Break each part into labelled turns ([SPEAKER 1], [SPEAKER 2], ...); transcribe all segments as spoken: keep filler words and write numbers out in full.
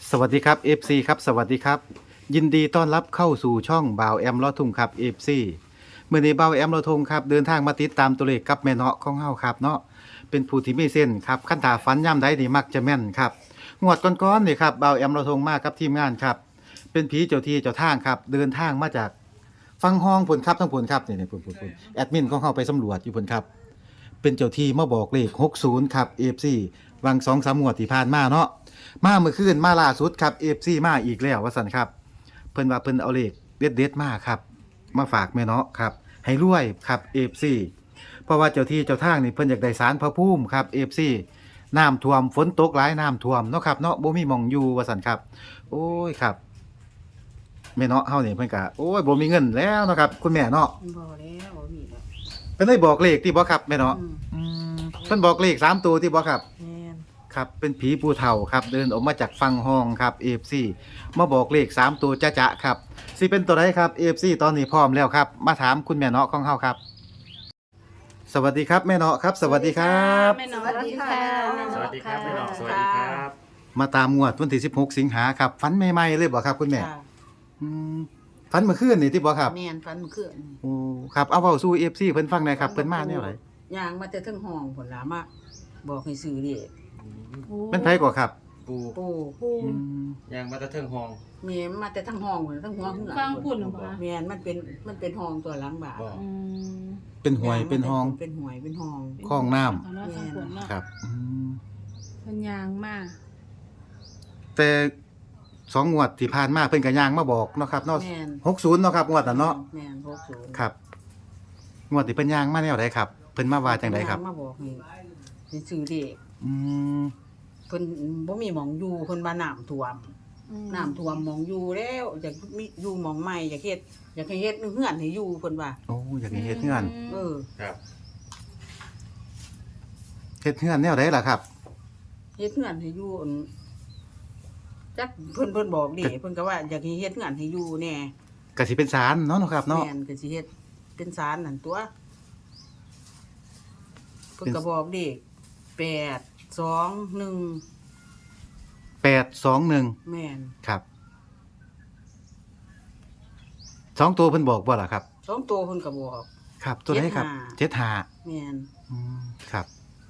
[SPEAKER 1] สวัสดีครับ เอฟ ซี ครับสวัสดีครับยินดีต้อนรับเข้าสู่ช่องบ่าวแอมลอทุ่งครับ เอฟ ซี เมื่อนี้บ่าวแอมลอทุ่งครับเดินทางมาติดตามตัวเลขกับแม่เนาะของเฮาครับเนาะเป็นผู้ที่มีเส้นครับคันถาฝันย่ำใดนี่มักจะแม่นครับงวดก่อนๆนี่ครับบ่าวแอมลอทุ่งมากับทีมงานครับเป็นผีเจ้าที่เจ้าทางครับเดินทางมาจากฟังห้องพุ่นครับทั้งพุ่นครับนี่ๆพุ่นๆๆแอดมินของเฮาไปสำรวจอยู่พุ่นครับเป็นเจ้าที่มาบอกเลขหกสิบครับ เอฟ ซี วัง สองสาม งวดที่ผ่านมาเนาะ มาเมื่อคืนมาล่าสุดครับ เอฟ ซี มาอีกแล้วว่าซั่นครับเพิ่นว่าเพิ่นเอาเลขเด็ดๆมาครับมาฝากแม่เนาะครับให้รวยครับ เอฟ ซี เพราะว่าเจ้าที่เจ้าทางนี่เพิ่นอยากได้ศาลพระภูมิครับ เอฟ ซี น้ำท่วมฝนตกหลายน้ำท่วมเนาะครับเนาะบ่มีหม่องอยู่ว่าซั่นครับโอ้ยครับแม่เนาะเฮานี่เพิ่นก็โอ้ยบ่มีเงินแล้วเนาะครับคุณแม่เนาะ
[SPEAKER 2] บ่แล้วบ่มีแล้ว
[SPEAKER 1] เพิ่นได้บอกเลขที่บ่ครับแม่เนาะ
[SPEAKER 2] อืม
[SPEAKER 1] อืมเพิ่นบอกเลขสามตัวที่บ่ครับ
[SPEAKER 2] แม่น
[SPEAKER 1] ครับเป็นผีปูเฒ่าครับเดินออกมาจากฟังห้องครับ เอฟ ซี มาบอกเลขสามตัวจะๆครับสิเป็นตัวใดครับ เอฟ ซี ตอนนี้พร้อมแล้วครับมาถามคุณแม่เนาะของเฮาครับ สวัสดีครับแม่เนาะครับ สวัสดีครับ
[SPEAKER 2] แม่น้องสวัสดีค่ะ
[SPEAKER 3] สวัสดีครับพี่น้องสวัสดีครับ
[SPEAKER 1] มาตามงวดวันที่สิบหกสิงหาครับฝันใหม่ๆเลยบ่ครับคุณแม่
[SPEAKER 2] จ้ะ
[SPEAKER 1] อืมฝันเมื่อคืนนี่ที่บ่ครับ
[SPEAKER 2] แม่นฟันมันขึ้น
[SPEAKER 1] โอ้ครับเอาเว้าสู่ เอฟ ซี เพิ่นฟังหน่อยครับเพิ่นมาแนวไหน
[SPEAKER 2] ย่างมาแต่เทั้งห้องผลลามาบอกให้ซื้อเลข
[SPEAKER 1] เป็นไผกว่าครับ
[SPEAKER 3] ปู
[SPEAKER 2] ปู่
[SPEAKER 1] อืม
[SPEAKER 3] ยางมาตะเทิงห้อง
[SPEAKER 2] แม่มาแต่ทั้งห้องพุ่นทั้งหัวข้างหลั
[SPEAKER 4] ฟัง
[SPEAKER 2] ง
[SPEAKER 4] พุ่นเหรอคะ
[SPEAKER 2] แม่นมันเป็นมันเป็นห้องตัวหลังบ้าน
[SPEAKER 3] บอก
[SPEAKER 4] อืม
[SPEAKER 1] เป็นหวยเป็นห้อง
[SPEAKER 2] เป็นหวยเป็นห้อง
[SPEAKER 1] คลองน้ำ
[SPEAKER 4] เอาเนาะฟังพุ่นเนาะ
[SPEAKER 1] ครับอืม
[SPEAKER 4] เป็นยางมาก
[SPEAKER 1] แต่สองงวดที่ผ่านมาเพิ่นก็ย่างมาบอกเนาะครับเนาะ
[SPEAKER 2] แม่น
[SPEAKER 1] หกสิบเนาะครับงวดนั้นเนาะ
[SPEAKER 2] แม่นหกสิบ
[SPEAKER 1] ครับงวดที่เพิ่นย่างมาแนวใดครับเพิ่นมาว่าจังไดครับ
[SPEAKER 2] มาบอกให้ให้ซื้อเลข
[SPEAKER 1] อืม
[SPEAKER 2] เพิ่นบ่มีหม่องอยู่เพิ่นว่าน้ำท่วม
[SPEAKER 4] อืม
[SPEAKER 2] น้ำท่วมหมองอยู่แล้วอยากมีอยู่หมองใหม่อยากเฮ็ดอยากให้เฮ็ดเฮือนให้อยู่เพิ่นว่า
[SPEAKER 1] โอ้อยากให้เฮ็ดเฮือน
[SPEAKER 2] เออ
[SPEAKER 3] ครับ
[SPEAKER 1] เฮ็ดเฮือนแนวใดล่ะครับ
[SPEAKER 2] เฮ็ดเฮือนให้อยู่อั่นจักเพิ่นเพิ่นบอกดิเพิ่นก็ว่าอยากให้เฮ็ดเฮือนให้อยู่แน่
[SPEAKER 1] ก็สิเป็นศาลเนาะเนาะครับเนาะ
[SPEAKER 2] แม่นก็สิเฮ็ดเป็นศาลนั่นตัวเพิ่น
[SPEAKER 1] เป็น
[SPEAKER 2] ก็บอกดิแปด สอง หนึ่ง
[SPEAKER 1] แปด สอง หนึ่ง
[SPEAKER 2] แม่น
[SPEAKER 1] ครับสองตัวเพิ่นบอกบ่ล่ะครับ
[SPEAKER 2] สองตัวเพิ่นก็บอก
[SPEAKER 1] ครับ ตัวไหนครับ
[SPEAKER 2] เจ็ดห้า
[SPEAKER 1] เจ็ดห้า
[SPEAKER 2] แม่น
[SPEAKER 1] อืมครับ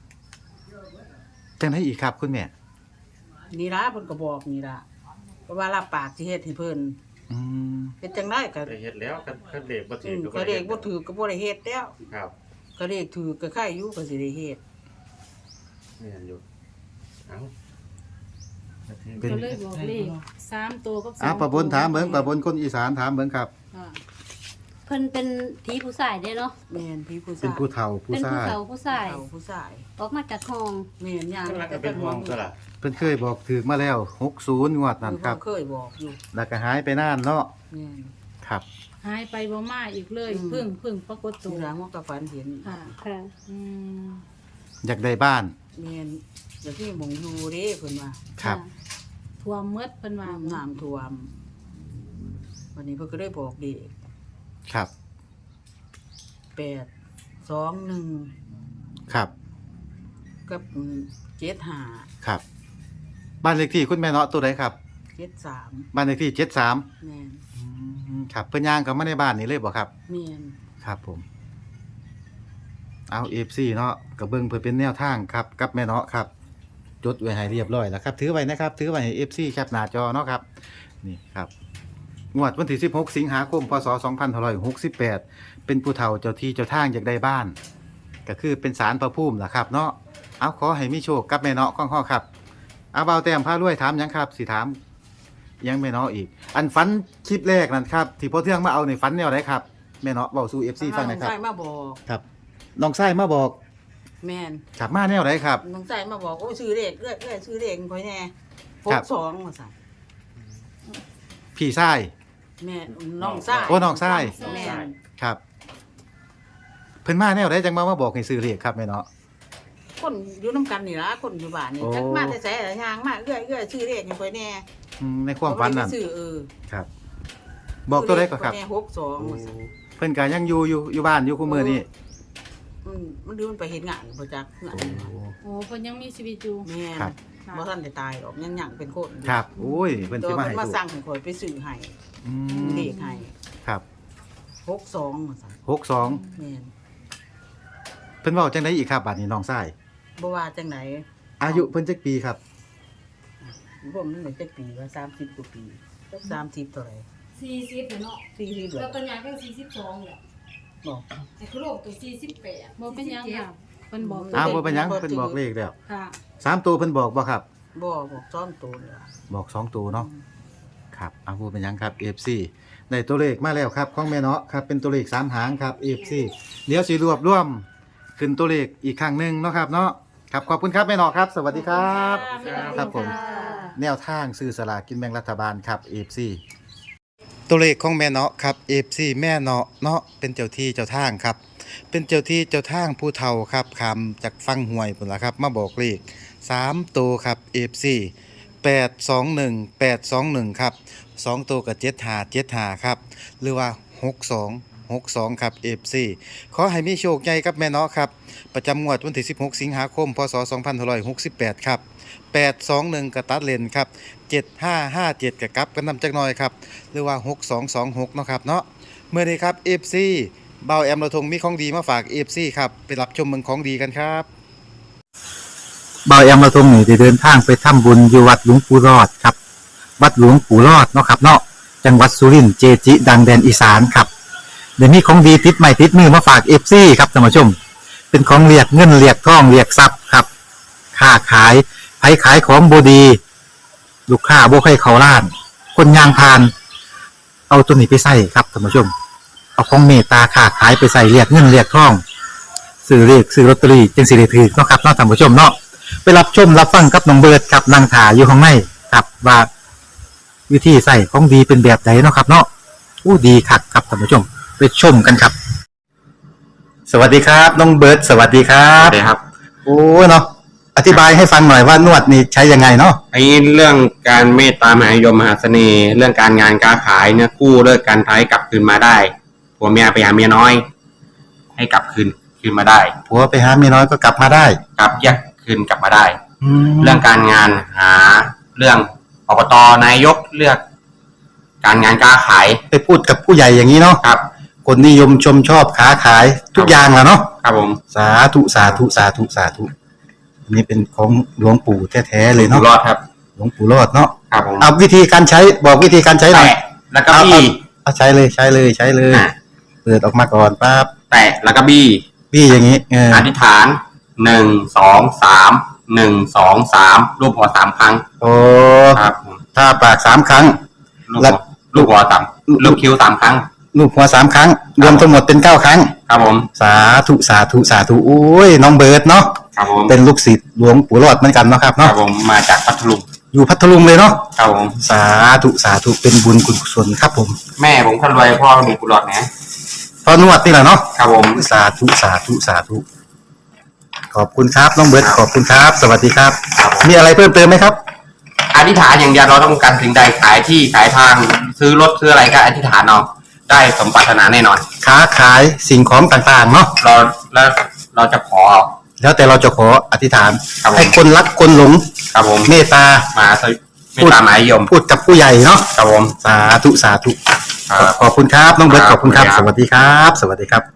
[SPEAKER 1] จังไดอีกครับคุณแม่
[SPEAKER 2] นี่ล่ะเพิ่นก็บอกนี่ล่ะเพราะว่ารับปากสิเฮ็ดให้เพิ่น
[SPEAKER 1] อืม
[SPEAKER 2] เฮ็ดจังได๋ก็
[SPEAKER 3] ได้เฮ็ดแล้วกันกันเด็กบ่
[SPEAKER 2] อื
[SPEAKER 3] ถือ
[SPEAKER 2] ม
[SPEAKER 3] ก็
[SPEAKER 2] ก็เลขบ่ถือก็บ่ได้เฮ็ดแล้ว
[SPEAKER 3] ครับ
[SPEAKER 2] ก็เลขถือก็ใครอยู่ก็สิได้เฮ็ด
[SPEAKER 3] แม่นอยู่เอ้า
[SPEAKER 1] เป็น
[SPEAKER 4] ก็เลยบอกเลขสามตัวกับสอง
[SPEAKER 1] อ่ะป้าบนถามเบิ่งป้าบนคนอีสานถามเบิ่งครับ
[SPEAKER 4] ค่ะ
[SPEAKER 5] เพิ่นเป็นผีผู้ชายเด้เนาะ
[SPEAKER 2] แม่นพี่ผู้
[SPEAKER 1] เป็น
[SPEAKER 2] ชาย
[SPEAKER 1] ผู้เฒ่าผู้
[SPEAKER 5] เป็น
[SPEAKER 1] ซ่า
[SPEAKER 5] ผู้เฒ่าผู้ชาย
[SPEAKER 2] เฒ่าผู้ชาย
[SPEAKER 5] ออกมาจากห้อง
[SPEAKER 2] แม่นย่าง
[SPEAKER 3] กำลังก็เป็นห้องตัวล่ะ
[SPEAKER 1] เพิ่นเคยบอกถือมาแล้วหกสิบงวดนั่นครับ
[SPEAKER 2] เพิ่เคยบอกอยู่
[SPEAKER 1] แล้วก็หายไปนานเนาะ
[SPEAKER 2] แม่น
[SPEAKER 1] ครับ
[SPEAKER 4] หายไปบ่มาอีกเลย
[SPEAKER 2] อืม
[SPEAKER 4] เพึ่งเพึ่งปรากฏ
[SPEAKER 2] ตั
[SPEAKER 4] ตัว ว
[SPEAKER 2] หลังว่าก็ฝันเห็น
[SPEAKER 4] ค่ะ
[SPEAKER 5] ค่ะ
[SPEAKER 4] อืม
[SPEAKER 1] อยากได้บ้าน
[SPEAKER 2] แม่นอยากที่หมองอยู่เด้เพิ่นว่า
[SPEAKER 1] ครับ
[SPEAKER 4] ท่วมหมดเพิ่นว่า
[SPEAKER 2] น้ำท่วมวันนี้เพิ่นก็ได้บอกเด็ก
[SPEAKER 1] ครับ
[SPEAKER 2] แปด สอง หนึ่ง
[SPEAKER 1] ครับ
[SPEAKER 2] กับเจ็ดห้า
[SPEAKER 1] ครับ บ้านเลขที่คุณแม่เนาะตัวใดครับ
[SPEAKER 2] เจ็ดสาม
[SPEAKER 1] บ้านเลขที่เจ็ดสาม
[SPEAKER 2] แม่น
[SPEAKER 1] ครับเพิ่นย่างเข้ามาในบ้านนี่เลยบ่ครับ
[SPEAKER 2] แม่น
[SPEAKER 1] ครับผม เอา เอฟ ซี เนาะก็เบิ่งเพื่อเป็นแนวทางครับกับแม่เนาะครับ จดไว้ให้เรียบร้อยแล้วครับ ถือไว้นะครับ ถือไว้ให้ เอฟ ซี แคปหน้าจอเนาะครับ นี่ครับ งวดวันที่สิบหกสิงหาคมพศสองพันห้าร้อยหกสิบแปดเป็นผู้เฒ่าเจ้าที่เจ้าทางอยากได้บ้าน ก็คือเป็นศาลพระภูมิล่ะครับ เนาะเอาขอให้มีโชคกับแม่เนาะของเฮาครับเอาเบาแต้มพารวยถามหยังครับสิถามหยังแม่เนาะอีก อันฝันคลิปแรกนั่นครับที่พ่อเทืองมาเอาในฝันแนวไหนครับแม่เนาะเว้าสู่ เอฟ ซี ฟังหน่อยครับ
[SPEAKER 2] น้องชายมาบอก
[SPEAKER 1] ครับน้องไส้มาบอก
[SPEAKER 2] แม่น
[SPEAKER 1] ขับมาแนวไหนครับ
[SPEAKER 2] น้องชายมาบอกโอ้ยซื้อเลขเอ้ยเอ้ยซื้อเลขค่อยแน่ห
[SPEAKER 1] ครั
[SPEAKER 2] ก
[SPEAKER 1] บ
[SPEAKER 2] สองว่าซั่น
[SPEAKER 1] พี่ไส้
[SPEAKER 2] แม่น้องชาย
[SPEAKER 1] โอ้น้องชาย
[SPEAKER 2] แม่น
[SPEAKER 1] ครับ เพิ่นมาแนวไหนจังมามาบอกให้ซื้อเลขครับแม่เนาะ
[SPEAKER 2] คนอยู่นํกันนี่ล่ะคนอยู่บ้านนี่
[SPEAKER 1] โอ้
[SPEAKER 2] จักมาแต่ไสล่ะย่างมาเอ้ยเอ้ยซื้อเลขค่อยแน่
[SPEAKER 1] อืมในความฝันนั่น
[SPEAKER 2] ซื้อเออ
[SPEAKER 1] ครับ บอกตัวใดก็ครับ
[SPEAKER 2] แน่หกสองว่าซั่น
[SPEAKER 1] เพิ่นก็ยังอยู่อยู่อยู่บ้านอยู่คู่มือนี่
[SPEAKER 2] มันมันดูมันไปเฮ็ดงานบ่จักงาน
[SPEAKER 4] โอ้เพิ่นยังมีชีวิตอยู่
[SPEAKER 2] แม่น
[SPEAKER 1] ครับ
[SPEAKER 4] คค่ะ
[SPEAKER 2] บ่ทันได้ตายหรอกยังหยังเป็นคนอยู่
[SPEAKER 1] ครับโอ้ยเพิ่น
[SPEAKER 2] ตัว
[SPEAKER 1] สิมา
[SPEAKER 2] เพิ่
[SPEAKER 1] ให้
[SPEAKER 2] นมา
[SPEAKER 1] ถูก
[SPEAKER 2] สั่งให้ข่อยไปซื้อให้
[SPEAKER 1] อืม
[SPEAKER 2] เลขให้
[SPEAKER 1] ครับ
[SPEAKER 2] หกสองว่าซั่น
[SPEAKER 1] หกสอง
[SPEAKER 2] แม่น
[SPEAKER 1] เพิ่นเว้าจังได๋อีกครับบัดนี้น้องชาย
[SPEAKER 2] บ่ว่าจังได
[SPEAKER 1] อายุเพิ่นจักปีครับ
[SPEAKER 2] ผมนี่ได้จักปีว่าสามสิบกว่าปีจักสามสิบเท่าไหร่
[SPEAKER 5] สี่สิบเนาะ
[SPEAKER 2] สี่สิบเหร
[SPEAKER 5] แล้
[SPEAKER 2] อ
[SPEAKER 5] วตัวใหญ่ก็สี่สิบสองแหละ
[SPEAKER 2] บอก
[SPEAKER 5] ไอ้คุโรบตัวสี่สิบแปด
[SPEAKER 4] บ่เป็นหยังค่ะเพิ่นบอก
[SPEAKER 1] อ้าวบ่เป็นหยังเพิ่นบอกเลขแล้ว
[SPEAKER 4] ค่ะ
[SPEAKER 1] สามตัวเพิ่นบอกบ่ครับ
[SPEAKER 2] บ่บอกซ้อมตัวเลยว่ะ
[SPEAKER 1] บอกสองตัวเนาะครับอ้าวบ่เป็นหยังครับ เอฟ ซี ได้ตัวเลขมาแล้วครับของแม่เนาะครับเป็นตัวเลขสามหางครับ เอฟ ซี เดี๋ยวสิรวบรวมขึ้นตัวเลขอีกครั้งหนึงเนาะครับเนาะครับขอบคุณครับแม่เนาะครับ สวัสดีครับ ครับผม แนวทางซื้อสลากกินแบ่งรัฐบาลครับ เอฟ ซี ตัวเลขของแม่เนาะครับ เอฟ ซี แม่เนาะเนาะเป็นเจ้าที่เจ้าทางครับ เป็นเจ้าที่เจ้าทางผู้เฒ่าครับคำจากฟังหวยพุ่นล่ะครับ มาบอกเลขสามตัวครับ เอฟ ซี แปดสองหนึ่ง แปดสองหนึ่งครับสองตัวกับเจ็ดห้า เจ็ดห้าครับหรือว่าหกสอง หกสองครับ เอฟ ซี ขอให้มีโชคใหญ่ครับแม่เนาะครับประจำงวดวันที่สิบหกสิงหาคมพศสองพันห้าร้อยหกสิบแปดครับแปดสองหนึ่งกระตัดเลนครับเจ็ดห้าห้าเจ็ดกระกลับกันนำจักหน่อยครับหรือว่าหกสองสองหกเนาะครับเนาะเมื่อนี้ครับ เอฟ ซี เบาแอมเราทงมีของดีมาฝาก เอฟ ซี ครับไปรับชมเมืองของดีกันครับเบาแอมเราทงนี่ได้เดินทางไปทำบุญอยู่วัดหลวงปู่รอดครับวัดหลวงปู่รอดเนาะครับเนาะจังหวัดสุรินทร์เจจิ ดังแดนอีสานครับเดี๋ยวมีของดีติดใหม่ติดมือมาฝาก เอฟ ซี ครับท่านผู้ชมเป็นของเรียกเงินเรียกทองเรียกทรัพย์ครับค้าขายไผขายของบดีลูกค้าบ่ใครเขาล้าน คนยางพาน เอาตัวนี้ไปใส่ครับท่านผู้ชม เอาของเมตตาค้าขายไปใส่เรียกเงินเรียกทองซื้อเลขซื้อลอตเตอรี่จึงสิได้ถือเนาะครับเนาะท่านผู้ชมเนาะไปรับชมรับฟังกับน้องเบิร์ดครับนางถาอยู่ข้างในครับว่าวิธีใส่ของดีเป็นแบบไหนเนาะครับ เนาะอู้ดีคักครับท่านผู้ชมไปชมกันครับ สวัสดีครับน้องเบิร์ดสวัสดีครั
[SPEAKER 6] ครับ บครับ
[SPEAKER 1] โอ้เนาะอธิบายให้ฟังหน่อยว่านวดนี่ใช้ยังไงเนาะ
[SPEAKER 6] ไอ้เรื่องการเมตตามหานิยมมหาเสน่ห์ เรื่องการงานการขายเนี่ยกู้เลิกการท้ายกลับคืนมาได้ผัวเมียไปหาเมียน้อย ให้กลับคืนคืนมาได้
[SPEAKER 1] ผัวไปหาเมียน้อยก็กลับมาได้
[SPEAKER 6] กลับแยกคืนกลับมาได้
[SPEAKER 1] แล้
[SPEAKER 6] เรื่
[SPEAKER 1] ว
[SPEAKER 6] องการงานหาเรื่องอบตนายกเลือก การงานการขาย
[SPEAKER 1] ไปพูดกับผู้ใหญ่อย่างนี้เนาะ
[SPEAKER 6] ครับ
[SPEAKER 1] คนนิยมชมชอบค้าขายทุกอย่างแหละเนาะ
[SPEAKER 6] ครับผม
[SPEAKER 1] สาธุสาธุสาธุสาธุอันนี้เป็นของหลวงปู่แท้ๆเลย
[SPEAKER 6] อยู่
[SPEAKER 1] เนาะ
[SPEAKER 6] รอดครับ
[SPEAKER 1] หลวงปู่รอดเนาะ
[SPEAKER 6] ครับผม
[SPEAKER 1] เอาวิธีการใช้บอกวิธีการใช้หน่อย
[SPEAKER 6] แตะแล้วก็บี้
[SPEAKER 1] เอาใช้เลยใช้เลยใช้เลย
[SPEAKER 6] อ่ะ
[SPEAKER 1] เปิดออกมาก่อนปั๊บ
[SPEAKER 6] แตะแล้วก็บี้
[SPEAKER 1] พี่อย่างนี้เออ
[SPEAKER 6] อธิษฐานหนึ่งสองสามหนึ่งสองสามรูปหัวสามครั้ง
[SPEAKER 1] โอ้
[SPEAKER 6] ครับผม
[SPEAKER 1] ถ้าปากสามครั้ง
[SPEAKER 6] ลูก
[SPEAKER 1] แล้
[SPEAKER 6] หั
[SPEAKER 1] ว
[SPEAKER 6] วลูกหัวสามลูกคิ้วสามครั้ง
[SPEAKER 1] ลูกหัวสามครั้ง รวมทั้งหมดเป็นเก้าครั้ง
[SPEAKER 6] ครับผม
[SPEAKER 1] สาธุสาธุสาธุโอ้ยน้องเบิร์ดเนาะ
[SPEAKER 6] ครับผม
[SPEAKER 1] เป็นลูกศิษย์หลวงปู่รอดเหมือนกันเนาะครับ
[SPEAKER 6] ครั
[SPEAKER 1] เนาะ
[SPEAKER 6] บผมมาจากพัทลุง
[SPEAKER 1] อยู่พัทลุงเลยเนาะ
[SPEAKER 6] ครับผม
[SPEAKER 1] สาธุสาธุเป็นบุญกุศลครับผม
[SPEAKER 6] แม่ผมคนรวยพ่อมีกุหลาบนะ
[SPEAKER 1] พอนวดนี่แหละเนาะ
[SPEAKER 6] ครับผม
[SPEAKER 1] สาธุสาธุสาธุขอบคุณครับน้องเบิร์ดขอบคุณครับ สวัสดีครับ
[SPEAKER 6] ครับผม
[SPEAKER 1] มีอะไรเพิ่มเติมไหมครับ
[SPEAKER 6] อธิษฐานอย่างเดียวเราต้องการสิ่งใดขายที่ขายทางซื้อรถซื้ออะไรก็อธิษฐานเอาได้สมปรารถนาแน่นอน
[SPEAKER 1] ค้าขายสิ่งของต่างๆเนาะ
[SPEAKER 6] เราแล้วเราจะขอ
[SPEAKER 1] แล้วแต่เราจะขออธิษฐาน
[SPEAKER 6] ครับผม
[SPEAKER 1] ให้คนรักคนหลง
[SPEAKER 6] ครับผม
[SPEAKER 1] เมตตา
[SPEAKER 6] มาสวิไม่ตามหมายยม
[SPEAKER 1] พูดกับผู้ใหญ่เนาะ
[SPEAKER 6] ครับผม
[SPEAKER 1] สาธุสาธุ
[SPEAKER 6] ครับ
[SPEAKER 1] ขอบคุณครับน้องเบิร์ต
[SPEAKER 6] ค
[SPEAKER 1] ข
[SPEAKER 6] รับ
[SPEAKER 1] อบคุณครับ
[SPEAKER 6] ขอบ
[SPEAKER 1] ส
[SPEAKER 6] คุณครับ
[SPEAKER 1] วัสดีครับ สวัสดีครับ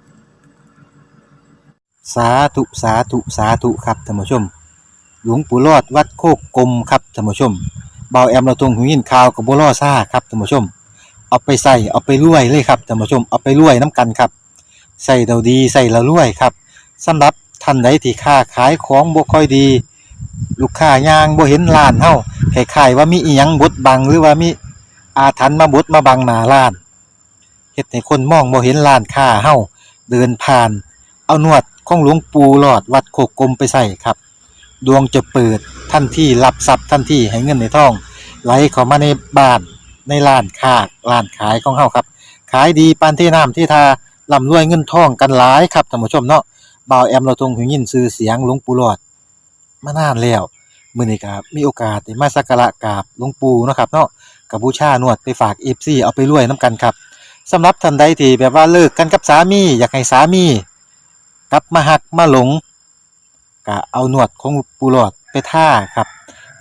[SPEAKER 1] สาธุสาธุสาธุครับท่านผู้ชม หลวงปู่รอดวัดโคกกลมครับท่านผู้ชมเบาแอมเราตรงหูยินข่าวกับบัวล่อซ่าครับท่านผู้ชม เอาไปใส่เอาไปรวยเลยครับท่านผู้ชมเอาไปรวยน้ำกันครับใส่เราดีใส่เรารวยครับสำหรับท่านใดที่ค้าขายของบ่ค่อยดี ลูกค้ายางบ่เห็นร้านเฮาคล้ายๆว่ามีอีหยังบดบังหรือว่ามีอาถรรพ์มาบดมาบังหน้าร้านเฮ็ดให้คนมองบ่เห็นร้านค้าเฮาเดินผ่าน เอานวดของหลวงปู่หลอดวัดโคกกลมไปใส่ครับดวงจะเปิดทันทีรับทรัพย์ทันทีให้เงินในท้องไหลเข้ามาในบ้านในร้านค้าร้านขายของเฮาครับขายดีปานที่น้ำที่ทาร่ำรวยเงินทองกันหลายครับท่านผู้ชมเนาะบ่าวแอมเราทรงหูยินชื่อเสียงหลวงปู่หลอดมานานแล้วมื้อนี้ก็มีโอกาสได้มาสักการะกราบหลวงปู่เนาะครับเนาะก็บูชานวดไปฝาก เอฟ ซี เอาไปรวยนํกันครับสำหรับท่านใดที่แบบว่าเลิกกันกับสามีอยากให้สามีกลับมาหักมาหลงก็เอานวดของปู่หลอดไปท่าครับ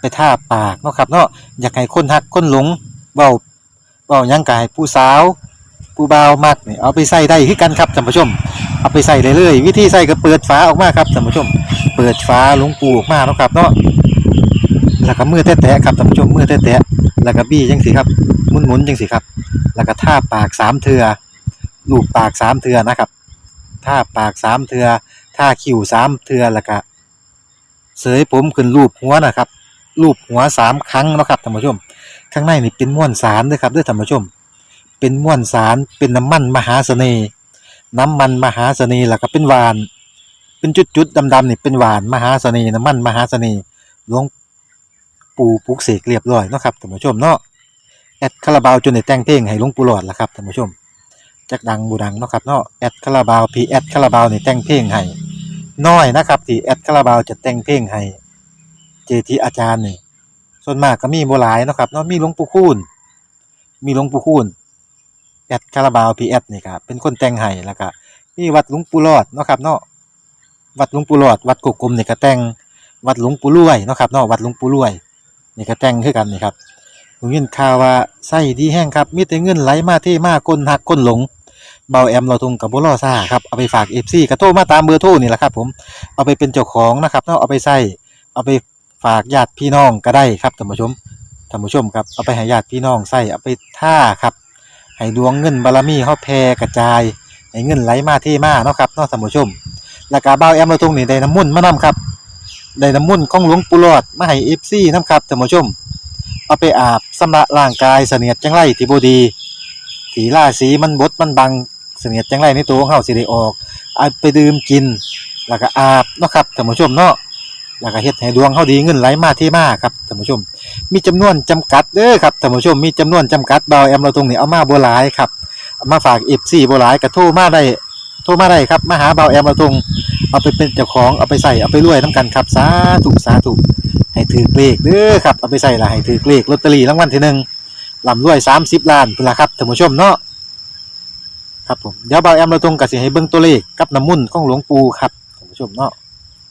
[SPEAKER 1] ไปทาปากเนาะครับเนาะอยากให้คนฮักคนหลงเว้าเว้าหยังก็ให้ผู้สาวผู้บ่าวมักนี่เอาไปใส่ได้คือกันครับท่านผู้ชมเอาไปใส่เลยเลยวิธีใส่ก็เปิดฝาออกมาครับท่านผู้ชมเปิดฝาหลวงปูออกมาเนาะครับเนาะแล้วก็มือแตะๆครับท่านผู้ชมมือแตะๆแล้วก็บี้จังสิครับหมุนๆจังสิครับแล้วก็ทาปากสามเทื่อลูบปากสามเทื่อนะครับทาปากสามเทื่อทาคิ้วสามเทื่อแล้วก็เสยผมขึ้นรูปหัวนะครับรูปหัวสามครั้งเนาะครับท่านผู้ชมข้างในนี่เป็นม้วนสารเด้อครับเด้อท่านผู้ชมเป็นม้วนสารเป็นน้ำมันมหาเสน่ห์น้ำมันมหาเสน่ห์แล้วก็เป็นหวานเป็นจุดๆดำๆนี่เป็นหวานมหาเสน่ห์น้ำมันมหาเสน่ห์หลวงปู่ปลุกเสกเรียบร้อยเนาะครับท่านผู้ชมเนาะแอดคาราบาวจนได้แต่งเพลงให้หลวงปู่หลอดล่ะครับท่านผู้ชมจักดังบ่ดังเนาะครับเนาะแอดคาราบาวพีแอดคาราบาวนี่แต่งเพลงให้น้อยนะครับที่แอดคาราบาวจะแต่งเพลงให้เจทีอาจารย์นี่ส่วนมากก็มีบ่หลายเนาะครับเนาะมีหลวงปู่คูณมีหลวงปู่คูณแอดคาราบาวพีแอดนี่ครับเป็นคนแต่งให้แล้วก็มีวัดหลวงปู่หลอดเนาะครับเนาะวัดหลวงปู่หลอดวัดกกกลมนี่ก็แต่งวัดหลวงปู่รวยเนาะครับเนาะวัดหลวงปู่รวยนี่ก็แต่งคือกันนี่ครับผมยินข่าวว่าไส้ดีแห้งครับมีแต่เงินไหลมาเทมาคนหักคนหลงเบาแอมเราทุงกับบ่รอซ่าครับเอาไปฝาก เอฟ ซี ก็โทรมาตามเบอร์โทรนี่แหละครับผมเอาไปเป็นเจ้าของนะครับเนาะเอาไปใส่เอาไปฝากญาติพี่น้องก็ได้ครับท่านผู้ชมท่านผู้ชมครับเอาไปให้ญาติพี่น้องใส่เอาไปท่าครับให้ดวงเงินบารมีเฮาแผ่กระจายให้เงินไหลมาเทมาเนาะครับเนาะท่านผู้ชมแล้วก็เบาแอมเราทุงนี่ได้น้ำมนต์มานํครับได้น้ำมนต์ของหลวงปู่หลอดมาให้ เอฟ ซี นํครับท่านผู้ชมเอาไปอาบสำระร่างกายเสนียดจังไรที่บ่ดีที่ราศีมันบดมันบังเสนียดจังไรในตัวของเฮาสิได้ออกเอาไปดื่มกินแล้วก็อาบเนาะครับท่านผู้ชมเนาะแล้วก็เฮ็ดให้ดวงเฮาดีเงินไหลมาเทมาครับท่านผู้ชมมีจำนวนจำกัดเด้อครับท่านผู้ชมมีจำนวนจำกัดเบาแอมเราตรงนี้เอามาบ่หลายครับเอามาฝาก เอฟ ซี บ่หลายก็โทรมาได้โทรมาได้ครับมาหาเบาแอมเราตรงเอาไปเป็นเจ้าของเอาไปใส่เอาไปรวยนํกันครับสาธุสาธุให้ถือเลขเด้อครับเอาไปใส่ละให้ถือเลขลอตเตอรี่รางวัลที่หนึ่งร่ำรวยสามสิบล้านพุ่นล่ะครับท่านผู้ชมเนาะครับผมเดี๋ยวเบาแอมเราตรงก็สิให้เบิ่งตัวเลขกับน้ำมนต์ของหลวงปู่ครับท่านผู้ชมเนาะ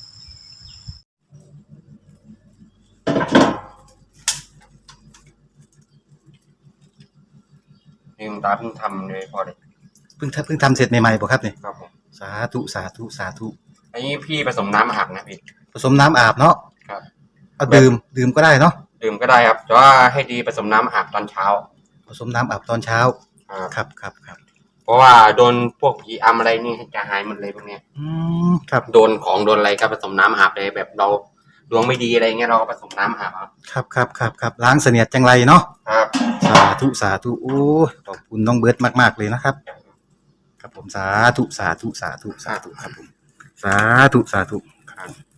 [SPEAKER 6] นี่หลวงตาเพิ่งทำเลยพอเลย
[SPEAKER 1] เพิ่งทำเพิ่งทำเสร็จใหม่ๆบ่ครับเนี่ย
[SPEAKER 6] ครับผม
[SPEAKER 1] สาธุสาธุสาธุ
[SPEAKER 6] อันนี้พี่ผสมน้ำอาบนะพี่
[SPEAKER 1] ผสมน้ำอาบเนาะ
[SPEAKER 6] ครับ
[SPEAKER 1] เอาดื่มดื่มก็ได้เนาะ
[SPEAKER 6] ดื่มก็ได้ครับแต่ว่าให้ดีผสมน้ำอาบตอนเช้า
[SPEAKER 1] ผสมน้ำอาบตอนเช้า
[SPEAKER 6] ครับ
[SPEAKER 1] ครับครับครับ
[SPEAKER 6] เพราะว่าโดนพวกผีอำอะไรนี่จะหายหมดเลยพวกเนี้ย
[SPEAKER 1] อืมครับ
[SPEAKER 6] โดนของโดนอะไรก็ผสมน้ำอาบเลยแบบเราดวงไม่ดีอะไรเงี้ยเราก็ผสมน้ำอาบครับ
[SPEAKER 1] ครับครับครับครับล้างเสนียดจังไรเนาะ
[SPEAKER 6] ครับ
[SPEAKER 1] สาธุสาธุโอ้ยขอบคุณน้องเบิร์ตมากๆเลยนะครับครับผมสาธุสาธุสาธุสาธุครับผมสาธุสาธุ
[SPEAKER 6] ครับ